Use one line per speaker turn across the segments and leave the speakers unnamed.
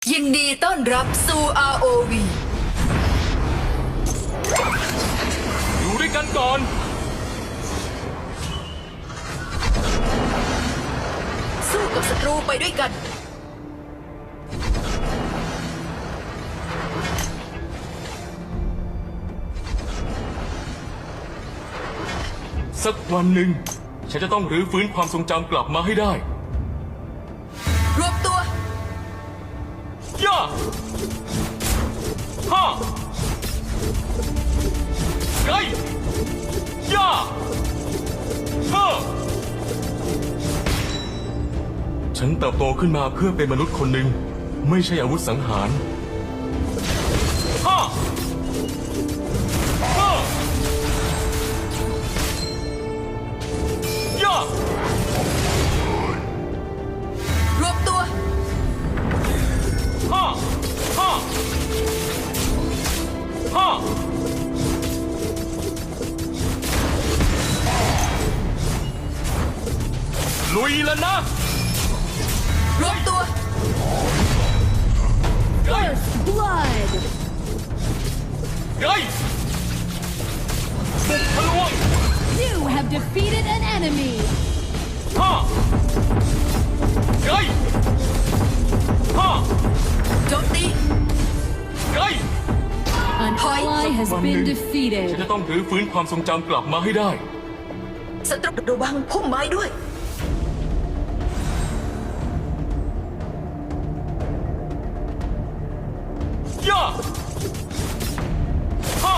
ยินดีต้อนรับสู่ ROV
อยู่ด้วยกันก่อน
สู้กับศัตรูไปด้วยกัน
สักวันหนึ่งฉันจะต้องรื้อฟื้นความทรงจำกลับมาให้ได้
รวบตัว
ย่าฮ่าไกย่าฮ่าฉันเติบโตขึ้นมาเพื่อเป็นมนุษย์คนหนึ่งไม่ใช่อาวุธสังหารฮ่าฮ่าย่าร
วบตัว
ฮ่าฮ่าฮ่าลุยแล้วนะ
รวบตัว
ไก
Blood!
ไกบุกทะลวง
You have defeated an enemy!
ฮ่าไกฮ่า
โจมตี
ไก
An ally has
วันหนึ่
been
งฉัน
defeated.
จะต้องรื้อฟื้นความทรงจำกลับมาให้ได้
ศัตรูระวังพุ่มไม้ด้วย
ย่าฮ่า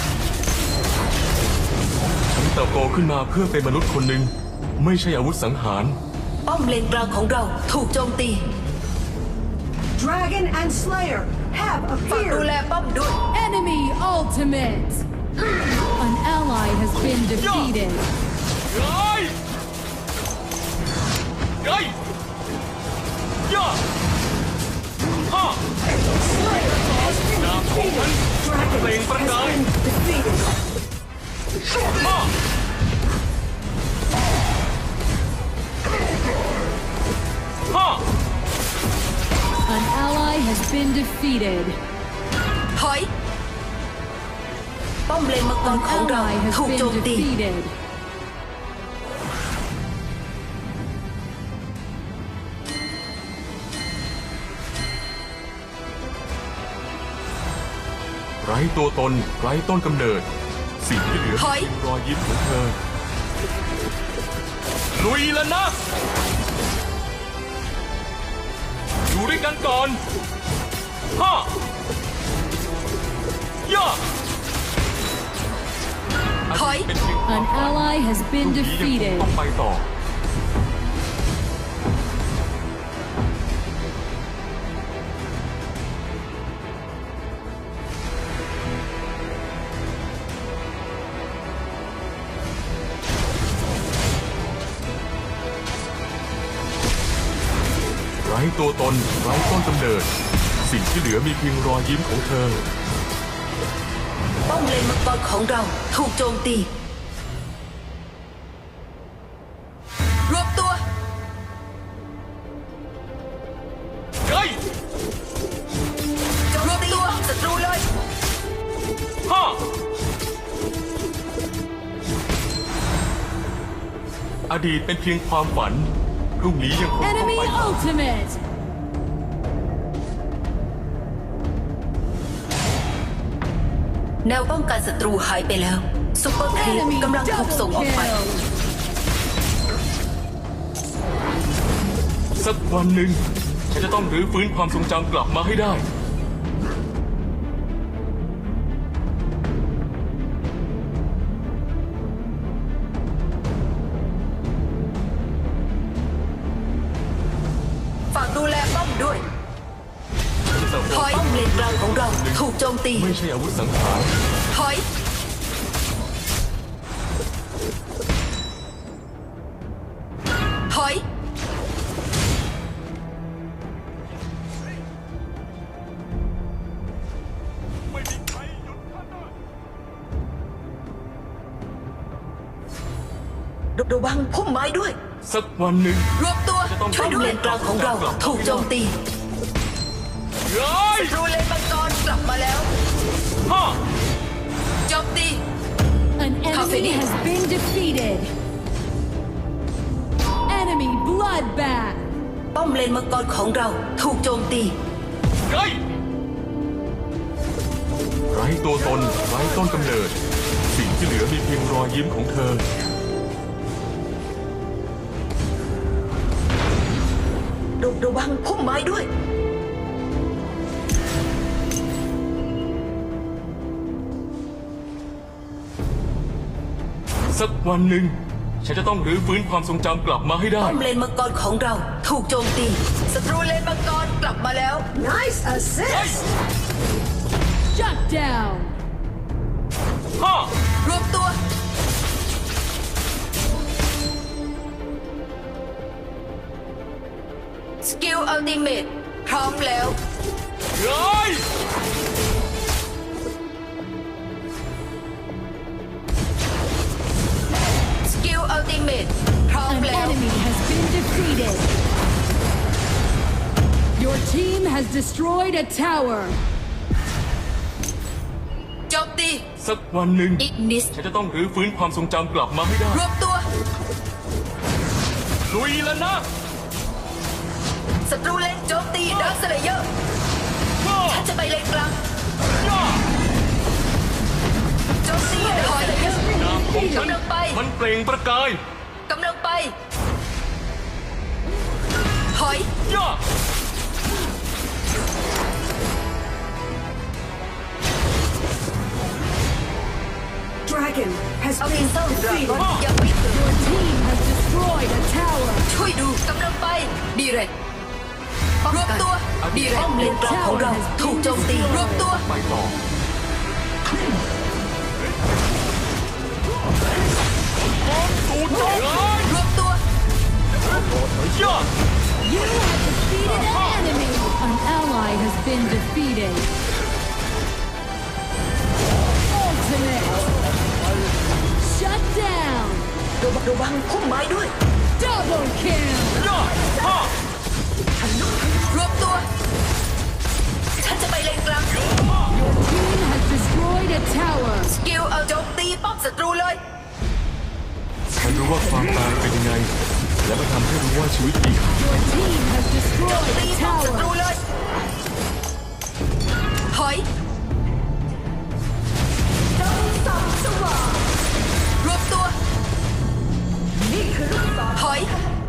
ฉันเติบโตขึ้นมาเพื่อเป็นมนุษย์คนหนึ่งไม่ใช่อาวุธสังหาร
ป้อมเลนกลางของเราถูกโจมตี
Dragon and Slayer have
ฝากดู
appeared.
แลป้อมด้วย
Enemy ultimate! An ally has been defeated.
ไกไกย่าฮ่าดาบของฉันเปล่งประกาย
Defeated.
ฮ่าฮ่า
An ally has been defeated.
ถอย ป้อมเลนมังกร
An
ของเรา
ally has
ถูกโจม
been
ตี
defeated.
ไร้ตัวตนไร้ต้นกำเนิด สิ่งที่เหลือ
ถอย
คือรอยยิ้มของเธอ ลุยแล้วนะ อยู่ด้วยกันก่อนฮ่าย่า
ถอย
เป็นเพียงความ
An
ฝัน
ally has
พรุ่
been
งนี้ยังคง
defeated.
ต้องไปต่อ ไร้ตัวตนไร้ต้นกำเนิด สิ่งที่เหลือมีเพียงรอยยิ้มของเธอ
ป้อมเลนมังกรของเราถูกโจมตี รวบตัว
ไก
รวบตัวศัตรูเลย
ฮ่าอดีตเป็นเพียงความฝัน พรุ่งนี้ยังคงต้อง
Enemy
ไปต่อ
ultimate!
แนวป้องกันศัตรูหายไปแล้วซุปเปอร์ครีป
Enemy
กำลังถูกส่ง
double
ออกไป
kill!
สักวันหนึ่งฉันจะต้องรื้อฟื้นความทรงจำกลับมาให้ได้
ฝากดูแลป้อมด้วย
ฉันจะเติบโต
ถอย ป้อมเลนกลางของเราถูกโจมตี
ไม่ใช่อาวุธสังหาร
ถอย ถอย ระวังพุ่มไม้ด้วย
สักวันหนึ่ง
รวบตัว
จะต้อง
ช่วยด้วยเลนกลางของเราถูกโจมตี
ร้อย
ศัตรูเลนมังกรกลับมาแล้ว
ห้า
โจมตี
An enemy has been defeated. Enemy bloodbath.
ป้อมเลนมังกรของเราถูกโจมตี
ไกไร้ตัวตนไร้ต้นกำเนิด สิ่งที่เหลือมีเพียงรอยยิ้มของเธอ
ระวังพุ่มไม้ด้วย
สักวันหนึ่ง ฉันจะต้องรื้อฟื้นความทรงจำกลับมาให้ได้
ป้อมเลนมังกรของเราถูกโจมตีศัตรูเลนมังกรกลับมาแล้ว
Nice assist.
Shut down.
ห้าร
วมตัว สกิลอัลติเมทพร้อมแล้ว
ร้อย
สกิลอัลติเมทพร้อม
An
แล้ว
enemy has been defeated. Your team has destroyed a tower.
โจมตี
สักวันหนึ่ง
อีกนิส
ฉันจะต้องรื้อฟื้นความทรงจำกลับมาให้ได้
รวมตัว
ลุยแล้วนะ
ศัตรูเลนโจมตีดักสเลเยอร์
ห้า
ฉันจะไปเลนกลาง
ย่า
โจมตีดักสเลเยอร์
นามของฉัน
กำลังไป
มันเปล่งประกาย
กำลังไป ถอย
ย่า
Dragon has
เอา
been
ทีเซอร์ดรา
defeated.
ก้อนยังไม่ถึง
Your team has destroyed a tower.
ช่วยดูกำลังไป ดีเรกรวมตัว ดีเรกป้อมเลนกลางของเราถูกโจมตีรวมตัว
ไปต่อ ตูดร้อย
รวมตัว
ย่า
You have defeated an enemy. An ally has been defeated. Ultimate. Shut down.
ระวังพุ่มไม้ด้วย
Double kill.
ย่าห้าร
วมตัว ฉันจะไปเลนกลาง
Your team has destroyed a tower.
สกิลเอาโจมตีป้อมศัตรูเลย
ฉันรู้ว่าความตายเป็นยังไง และมันทำให้รู้ว่าชีวิตมีค่า
Your team has
โจม
destroyed
ตี
a
ป้อมศัตรู
tower.
เลย ถอยรวมตัว ถอย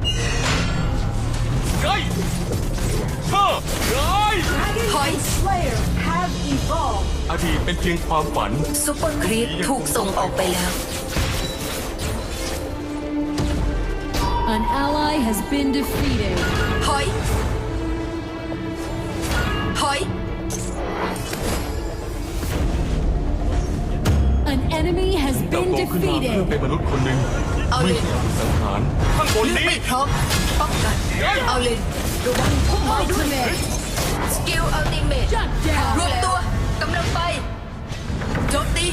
ไกห้าร้อย
Dragon
Hoi.
and Slayer have evolved.
อดีตเป็นเพียงความฝัน
ซุปเปอร์ครีปถูกส่งออกไปแล้ว
An ally has been defeated.
ถอย ถอย
An enemy has
เติบ
been
โตขึ้นมาเพื่อ
defeated.
เป็นมนุษย์คนหนึ่ง
เอาเลย
ไม่ใช่ผู้สังหารข้างบน
เลือก
นี้
ไม่พร้อม ป้องกัน เอาเลยระวังพุ่มไม้ด้วย
Ultimate.
สกิลอัลติเมท
Shut
รวม
down.
ตัว กำลังไป โจมตี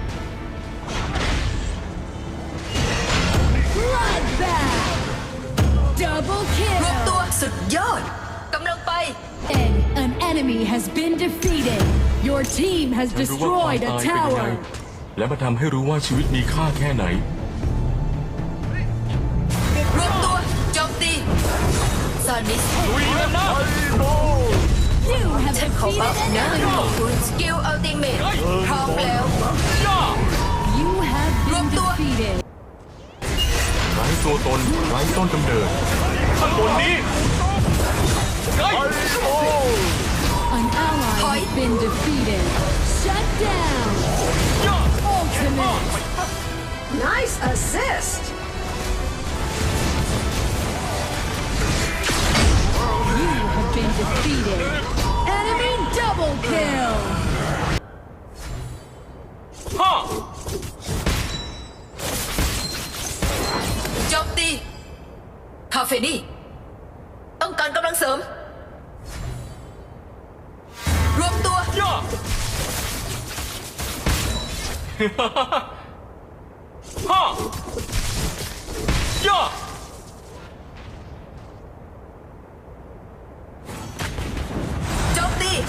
Bloodbath. Double
รวมตัว
kill.
สุดยอด กำลังไป
An enemy has been defeated. Your team has
ฉันรู้ว่าความ
destroyed a
ตายเป็นยังไง
tower.
และมันทำให้รู้ว่าชีวิตมีค่าแค่ไหน
รวมตัว โจมตีซานิส
ลุยแล้วนะ
You have
ฉันขอ
defeated
บัฟ
an
นะ
enemy.
คุณสกิลอัลติเมทพร้อมแล้ว
ย่า
You have been
Rộp tua.
defeated.
ไร้ตัวตนไร้ต้นกำเนิดข้างบนนี้ไก
An ally
Hoi.
has been defeated. Shut down.
ย่า
Ultimate.
Nice assist.
You have been defeated. Enemy double kill.
ห้า
โจมตี คาเฟนี่ ต้องการกำลังเสริม รวมตัว
ย่า ห้าย่า
โจมตี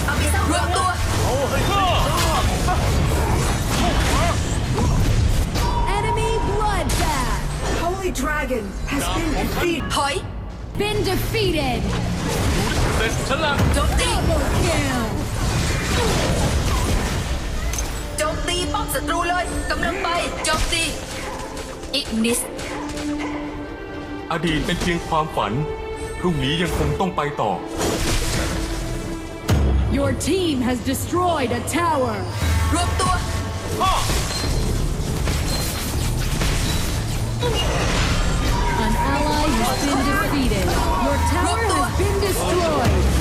holy dragon has been defeated.
ถอย
Been defeated.
เสร็จฉันละ
โจมตี
Double kill.
โจมตีป้อมศัตรูเลยกำลังไปโจมตีอิกนิส
อดีตเป็นเพียงความฝัน พรุ่งนี้ยังคงต้องไปต่อ
Your team has destroyed a tower.
รวมตัว
An ally has been defeated. Your tower has been destroyed.